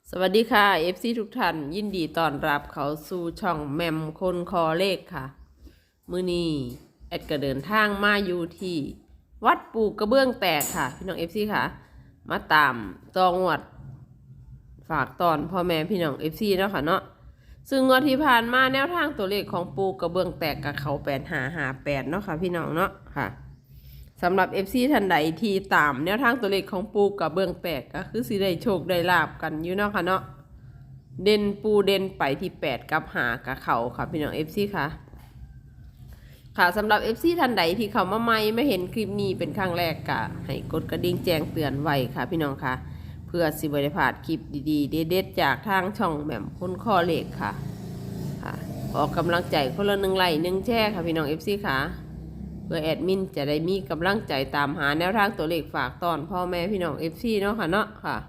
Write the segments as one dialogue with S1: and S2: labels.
S1: สวัสดีค่ะ FC ทุกท่านยินดีต้อนรับเขาสู่ช่องแมมคนคอเลขค่ะมื้อนี้แอดก็เดินทางมาอยู่ที่วัดปูกระเบื้องแตกค่ะพี่น้อง FC ค่ะมาตามตองวดฝากตอนพ่อแม่พี่น้อง FC เนาะค่ะเนาะซึ่งงวดที่ผ่านมาแนวทางตัวเลขของปูกระเบื้องแตกกับเขา8558เนาะค่ะพี่น้องเนาะค่ะสำหรับ FC ท่านใดที่ตามแนวทางตัวเลขของปูกับเบื้องแตกก็คือสิได้โชคได้ลาบกันอยู่เนาะค่ะเนาะเด่นปูเด่นไปที่8กับ5กับเขาค่ะพี่น้อง FC ค่ะค่ะสำหรับ FC ท่านใดที่เขามาใหม่ไม่เห็นคลิปนี้เป็นครั้งแรกก็ให้กดกระดิ่งแจ้งเตือนไว้ค่ะพี่น้องค่ะเพื่อสิบ่ได้พลาดคลิปดีๆเด็ดๆจากทางช่องแหม่มคนข้อเลขค่ะออกกำลังใจคนละ1 ไลค์1 แชร์ค่ะพี่น้อง FC ค่ะเพื่อแอดมินจะได้มีกำลังใจตามหาแนวทางตัวเลขฝากตอนพ่อแม่พี่น้อง FC เนาะค่ะเนาะค่ะ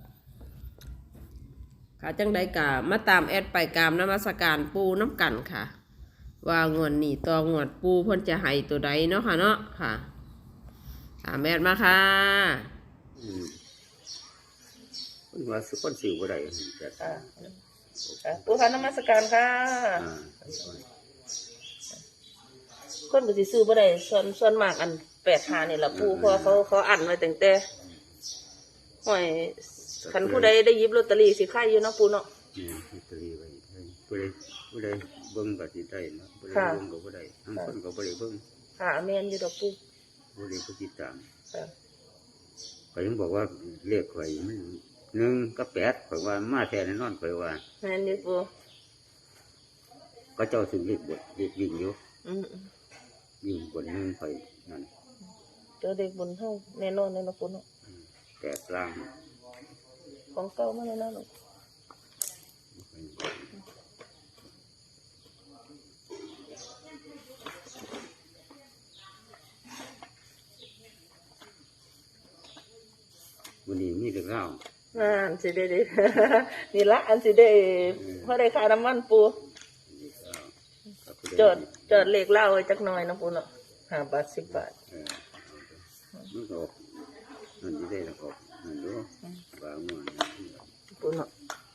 S1: จังใดกะมาตามแอดไปกามนมัสการปูน้ำกันค่ะว่างวดนี้ต่องวดปูเพิ่นจะให้ตัวใดเนาะค่ะเนาะค่ะตามแอดมาค่ะ
S2: มันว่าสุคนสิวบ่ได้แต่
S3: ปูค่ะนมัสการค่ะคนก็สิซื้อบ่ได้ส่วนมากอัน85นี่ล่ะปูเพราะเขาอั้นไว้ตั้งแต่ห้อยคันผู้ใดได้หยิบลอตเตอรี่สิขายอยู่เนาะปูเนาะ
S2: นี่ลอตเตอรี่ไว้ผู้ใดเบิ่งก็สิได้เนาะผู้ใดเบิ่งก็บ่ได้ทั้งคนก็บ่ได้เบิ่ง
S3: ค่ะแม่นอยู่ดอกปู
S2: บ่ได้ผู้ติดตาม
S3: ค่ะ
S2: ข้อยยังบอกว่าเลขข่อยมัน1กับ8ข่อยว่ามาแท้แน่นอนข่อยว่า
S3: แม่นอยู่ปู
S2: ก็เจ้าถึงเลขบทเลขวิ่งอยู่
S3: อือ
S2: วิ่งบน1ข่อยนั่น
S3: เจอเด็กบุญเฮาแน่นอนเลยเนาะปูเนาะ
S2: 8ล่าง
S3: ของเก่ามาแน่นอน
S2: วันนี้มีเลขเล่า
S3: อันสิได้ นี่ละอันสิได้พอได้ค่าน้ำมันปูจอดเลขเล่าไว้จักหน่อยเนาะปูเนาะ5 บาท 10 บาท
S2: มันก็มันสิได้แล้วก็มันดูว่าม่วน
S3: ปูเนาะ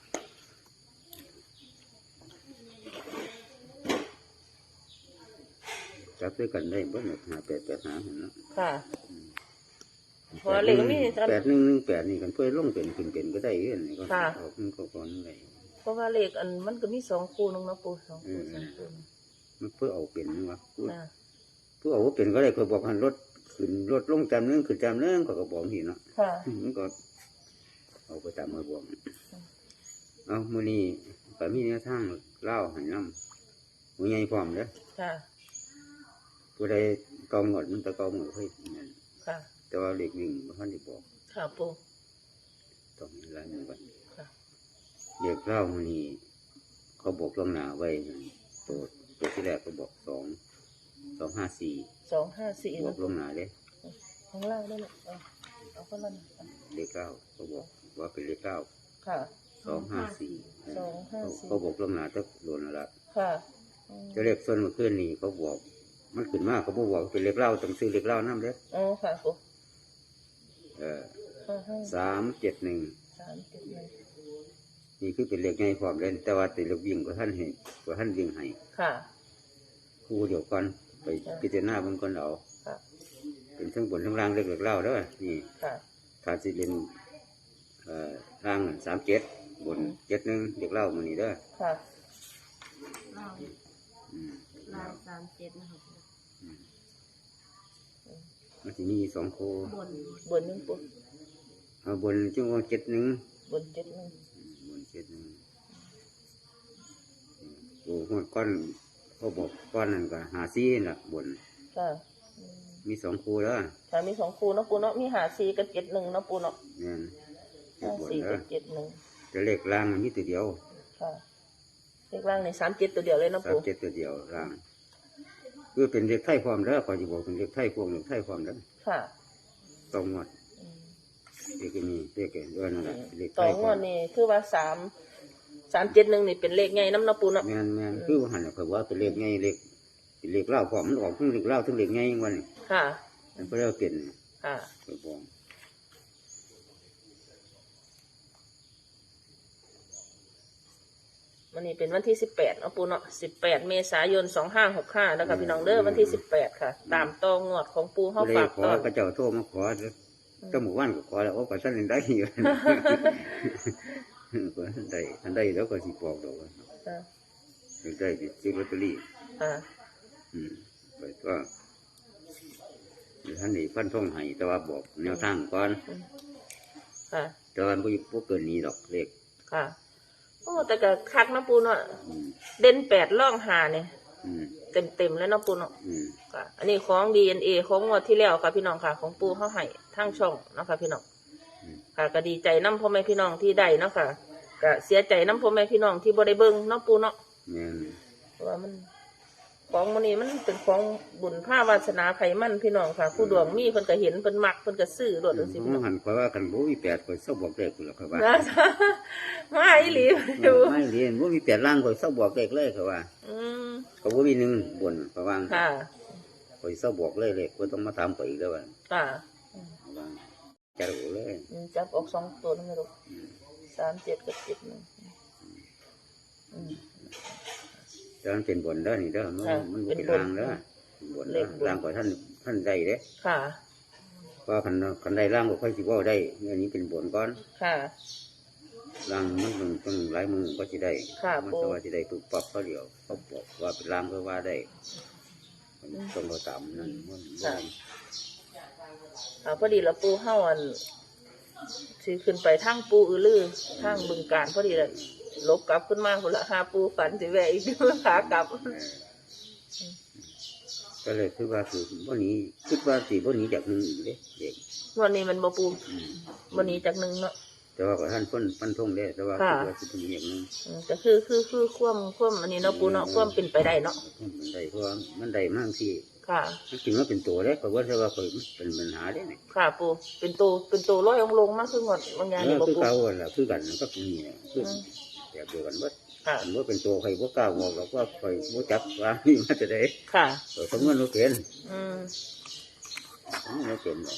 S2: จับด้วยกันได้เบิ่ง5885หั่นเนาะ
S3: ค่ะพอเลขมี
S2: 8118นี่กันเพื่อลงเป็นขึ้นเป็นก็ได้เด้นี่ก็ออกมันก็ก่อนได้
S3: เพราะว่าเลขอันมันก็มี2คู่นึงเนาะปู2คู่3คู่
S2: มันเพื่อเอาเป็นวะเพื่อเอาเป็นก็ได้เพื่อบอกให้รถขึ้นรถลงจำนึงขึ้นจำนึงก็บอกหินเนาะมันก็เอาไปตามมาบอกเอามื้อนี้ก็มีแนวทางเล่าให้นำผู้ใหญ่พร้อมเด้อผู้ใดกองหมดมันตะกองหมดเฮ้ย
S3: ค่ะ
S2: แต่ว่าเด็กวิ่งบ่ทันได้บอก
S3: ค่ะปู
S2: ต้องมีหลายมื้อก่อนเด็กเล่ามื้อนี้เขาบอกล่วงหน้าไว้ตัวที่แรกก็บอก254บอกล่วงหน้าเด้
S3: ของเล่าได้เลยเอาคนละ
S2: เลขเก้าเขาบอกว่าเป็นเลขเก้า
S3: ค่ะ
S2: 254เขาบอกล่วงหน้าจะโดนแล้ว
S3: ค่ะ
S2: จะเลขส่วนเมื่อคืนนี้เขาบอกมันขึ้นมาเขาบอกเป็นเลขเล่าต้องซื้อเลขเล่านั่นเด้
S3: อ๋อค่ะปู
S2: 371นี่คือเป็นเลขไงความเล่นแต่ว่าติดเลขวิ่งก็ท่านเห็นก็ท่านวิ่งให้
S3: ค่ะ
S2: ครูเดี๋ยวก่อนไปพิจารณาบางคนเอาเป็นทั้งบนทั้งล่างเลขเล่าด้วยนี่ถ้าสิเป็นล่าง37บน71เลขเล่ามันนี่ด้วย
S3: ค่ะ
S4: ลาย37นะครับ
S2: มันจะมี2คู่
S3: บนนึงปุ๊
S2: บนจังว่า71
S3: บน71
S2: โอ้หัวก้อนเขาบอกก้อนนั่นก็54น่ะบน
S3: ค่ะ
S2: มี2คู่แล้ว
S3: ค่ะมี2คู่เนาะปูเนาะมี54กับ71เนาะปูเนาะ
S2: เนี่ย
S3: 54กับ71
S2: แต่เลขล่างมันมีตัวเดียว
S3: ค่ะเลขล่างนี่37ตัวเดียวเลยเนาะปู
S2: 37ตัวเดียวล่างคือเป็นเลขไทยความแล้วขอจะบอกเป็นเลขไทยพวกเลขไทยความแล้ว
S3: ค่ะ
S2: ต้องงวดเลขนี้เลขนั่นแหละเลขไท
S3: ยความนี่คือว่า371นี่เป็นเลขไงน้ำเนาะปูเนาะ
S2: แม่นคือหันเขาว่าเป็นเลขไงเลขเล่าความมันออกทั้งเลขเล่าทั้งเลขไงวันนี้
S3: ค่ะ
S2: มันก็เรียกเป็น
S3: ค่ะ
S2: ไปบอก
S3: วันนี้เป็นวันที่18เนาะปูเนาะ18 เมษายน 2565แล้วค่ะพี่น้องเด้อวันที่18ค่ะ ตามต่องวดของปูเฮา
S2: เลย
S3: ฝาก
S2: ขอ
S3: ตอน
S2: พระเจ้าโทรมาขอตั้งหมู่บ้านก็ขอแล้วว่าก็ท่านได้อยู่ ก็ท่านได้แล้วก็สิบอกดอกว่า
S3: ค่ะ
S2: ได้สิซื้อลอตเตอรี่
S3: ค่ะ
S2: ไปก็ท่านนี่ฟันท่องให้แต่ว่าบอกแนวทางก่อน
S3: ค่ะ
S2: แต่ว่าบ่เกินนี้ดอกเลข
S3: ค่ะโอ้แต่ก็คักเนาะปูเนาะ
S2: อืม
S3: เด่น8ร่อง5เนี่ย
S2: อืม
S3: เต็มแล้วเนาะปูเนาะ
S2: อืม
S3: ค่ะ อันนี้ของ DNA ของงวดที่แล้วค่ะพี่น้องค่ะ ของปูเฮาให้ทางช่องเนาะค่ะพี่น้องค่ะก็ดีใจนำพ่อแม่พี่น้องที่ได้เนาะค่ะก็เสียใจนำพ่อแม่พี่น้องที่บ่ได้เบิ่งเนาะปูเนาะ
S2: แม่น
S3: เพราะว่ามันของมันนี้มันเป็นของบุญผ้าวาสนาไขมันพี่น้องค่ะ ผู้ดวงมีเพิ่นก็เห็นเพิ่นมักเพิ่นก็ซื้อรถจังซี่
S2: ผ
S3: พี่
S2: ม
S3: น้อง
S2: หันข่อยว่ากันบ่มี8ข่อยเศร้าบอกเลขพุ่นล่ะข่อยว่า
S3: นะมาอีหลีอยู่
S2: ไม่เรียนบ่มี8ล่างข่อยเศร้าบอกเลขเลยข่อยว่า
S3: อืม
S2: ก็บ่มี1บนข่อยว่า
S3: ค่ะ
S2: ข่อยเศร้าบอกเลยเลขบ่ต้องมาถามข่อยอีกแล้วว่า
S3: ค่ะ
S2: ข่อยว่าจะรู้เลย
S3: จับออก2ตัวนั่นแหละลูก37กับ71อืม
S2: แต่มันเป็นบนเด้อนี่เด้อมัน
S3: ค่ะ
S2: มันบ่
S3: เป็น
S2: เป็น
S3: บน
S2: ล่างเด้อเป็นบนเด้อ
S3: เลขบน
S2: ล่างข่อยท่านได้เด้
S3: ค่ะ
S2: เพราะคันได้ล่างก็ค่อยสิเว้าได้อันนี้เป็นบนก่อน
S3: ค่ะ
S2: ล่างมันต้องหลายมือก็สิได้
S3: ค่ะ
S2: มัน
S3: ปู่
S2: ก็ว่าสิได้ปุ๊บปั๊บเขาเดียวเขาบอกว่าเป็นล่างก็ว่าได้มันต้องเราตามนั่นมันบ่ได้
S3: พอดีละปูเฮาอันสิขึ้นไปทางปูอือลือทางบึงการพอดีเลยลบกลับขึ้นมาพุ่นละหาปูฝันสิแวะอีกขากลับ
S2: ก็เลยคือว่าคือวันนี้คิดว่าสิวันนี้จากหนึ่งอีกเด้เด็ก
S3: วันนี้มันบ่ปูวันนี้จากหนึ่งเนาะ
S2: แต่ว่าก็ท่านฟันทงได้แต่ว่า
S3: ค่ะ
S2: คิดว่าสิเป็นอย่างหนึง
S3: ก็คือความอันนี้เนาะปูเนาะความเป็นไปได้เนาะ
S2: มันได้เพราะว่ามันได้มากที่
S3: ค่ะ
S2: มันจริงว่าเป็นตัวเด้เพราะว่าแต่ว่าเคยเป็นปัญหาเด้เนี่ย
S3: ค่ะปูเป็นตัวร้อยองลงมากขึ้นหมดบางอย่างนี่บ่
S2: คือ
S3: ปู
S2: เก่าอะล่ะคือกันก็มีเนี่ยคือแบบเดียวกันว่า
S3: ค่ะ
S2: อันว่าเป็นตัวใครว่ากล้าบอกหรอกว่าใครว่จับว่านี่มาจะได้
S3: ค่ะ
S2: สมมติเราเป็น
S3: อืม
S2: เราเป็นหรอก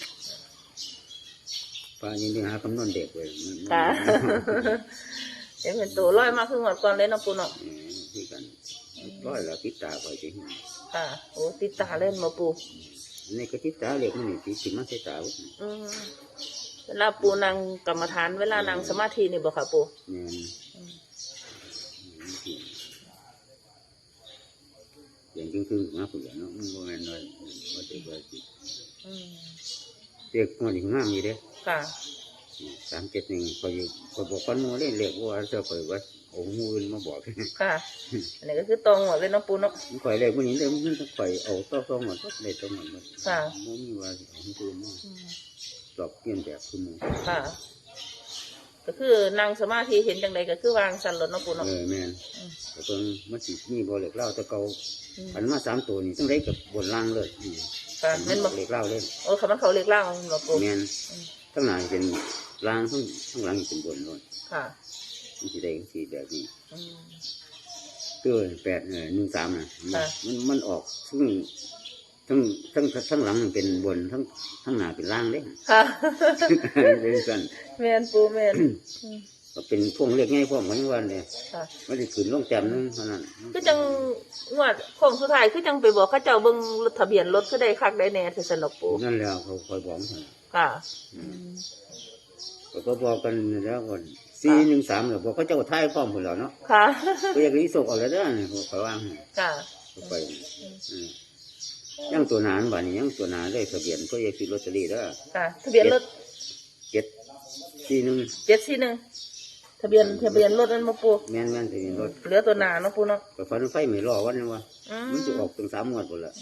S2: ป้ายินดีหาคำนวณเด็กเลยมัน
S3: ค่ะ เดี๋ยวเป็นตัวร้อยมากขึ้นหมดก่อนเลยเนาะปูเนาะ
S2: คือกันร้อยละติดตาไปจริง
S3: ค่ะโอ้ติดตาเล่นมาปู
S2: นี่ก็ติดตาเล็กมันนี่ติดมาใส่ตา
S3: อืมเวลาปูนางกรรมฐานเวลานางสมาธินี่บ่ค่ะปู
S2: เนี่ยอย่างจริงคือมาผู้ใหญ่เนาะมันโมเมนต์เลยว่าจะว่าจิ
S3: อืม
S2: เด็กมันถึงงามมีเด้
S3: ค่ะ
S2: 371คอยบอกคนโมเล่นเล็กว่าจะคอยว่าองค์มูลมาบอก
S3: ค่ะ อันนี้ก็คือตรงหมดเลยเนาะปูเนาะ
S2: มันคอยเล็กมันนี้เลยมันต้องคอยเอาต้องหมดเลยต้องหมด
S3: ค่ะ
S2: มันมีว่าของตัวมัน
S3: อืม
S2: หลอกเปลี่ยนแบบคือมึง
S3: ค่ะ ก็คือนางสมาธิเห็นจังใดก็คือวางสันรถเนาะปูเนาะ
S2: แม่นแต่เพิ่งมันสิมีบ่เล็กเล่าแต่เก่า
S3: อืม
S2: อันมา3ตัวนี่ต้องได้กับบนล่างเลย
S3: ค่ะแม่นบ่
S2: เล็กเล่าเลย
S3: โอ้คำว่าเขาเรียกล่างเนาะปู
S2: แม่นทั้งหลายเป็นล่างทั้งหลังเป็นบนเลย
S3: ค่ะ
S2: มันสิได้สิแบบนี้
S3: อืม
S2: ตัว813น่ะ
S3: ค่ะ
S2: มันออกทั้งหลังเป็นบนทั้งหน้าเป็นล่างเด้
S3: ค่ะ
S2: เป็นสั่น
S3: แม่นปูแม่นอืม
S2: ก็เป็นพวงเล็กง่ายพวกเหมือนวันเนี่ย
S3: ค่ะ
S2: มันจะขึ้นลงแต้มนึงเท่านั้น
S3: คือจังงวดโค้งสุดท้ายคือจังไปบอกเขาเจ้าเบิ่งทะเบียนรถคือได้คักได้แน่ที่สนุกปู
S2: นั่นแล้วเขาคอยบอกมัน
S3: ค่ะ
S2: ก็บอกกันแล้วก่อน413แล้วบอกเขาเจ้าท้ายพร้อมหมดแล้วเนาะ
S3: ค่ะ
S2: ก็อยากรีสกเอาแล้วเด้อเนี่ยเขาวางให้
S3: ค่ะ
S2: เขาไปยังตัวหนานบ่านี้ยังตัวหนาได้ทะเบียนก็อยากซื้อลอตเตอรี่เด้อ
S3: ค่ะ ทะเบียนรถ
S2: 741
S3: 741ทะเบียนรถนั่นมาปู
S2: แม่นทะเบียนรถ
S3: เหลือตัวหนาเนาะปูเนาะ
S2: ก็ฟันไฟไม่รอวันนี้วะ
S3: อืม
S2: มันจะออกถึง3 งวดหมดละ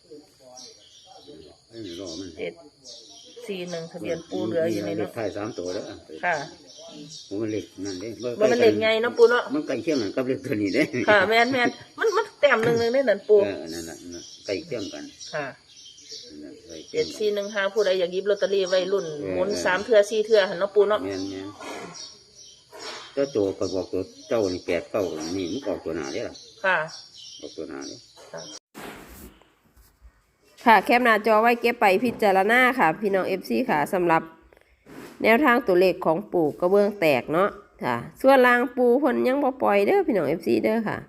S2: ไม่รอมัน
S3: 741ทะเบียนปูเหลืออยู่ใน
S2: เล
S3: เนาะ
S2: ขท้าย3 ตัวแล้ว
S3: ค่ะ
S2: มันเล็กนั่นเด้
S3: บ่มันเล็กไงเนาะปูเนาะ
S2: มันใกล้เคียงกันกับเลขตัวนี้เด้
S3: ค่ะแม่นมันแต้มหนึงได้นั่นปู
S2: นั่นน่ะใกล้เคียงกัน
S3: ค่ะ
S2: นั่นน่ะใกล้เคียงกัน
S3: 7415ผู้ใดอยากหยิบลอตเตอรี่ไว้รุ่นหมุน3เทื่อ4เทื่อหั่นเนาะปูเนาะ
S2: แม่นเจ้าตัวก็บอกตัวเจ้านี่8 9นี่มันออกตัวหน้าเด้ล่ะ
S3: ค่ะ
S2: ออกตัวหน้าเด้
S1: ค่ะแคปหน้าจอไว้เก็บไปพิจารณาค่ะ พี่น้อง FC ค่ะสำหรับแนวทางตัวเลขของปู่กระเบื้องแตกเนาะค่ะ ส่วนลางปูเพิ่นยังบ่ปล่อยเด้อพี่น้อง FC เด้อค่ะ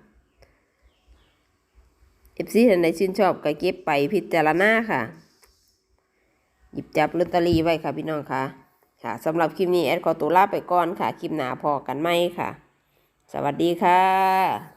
S1: FC ท่านใดชื่นชอบก็เก็บไปพิจารณาค่ะ หยิบจับลอตเตอรี่ไว้ค่ะพี่น้องค่ะค่ะสำหรับคลิปนี้แอดขอตัวลาไปก่อนค่ะ คลิปหน้าพอกันไหมค่ะ สวัสดีค่ะ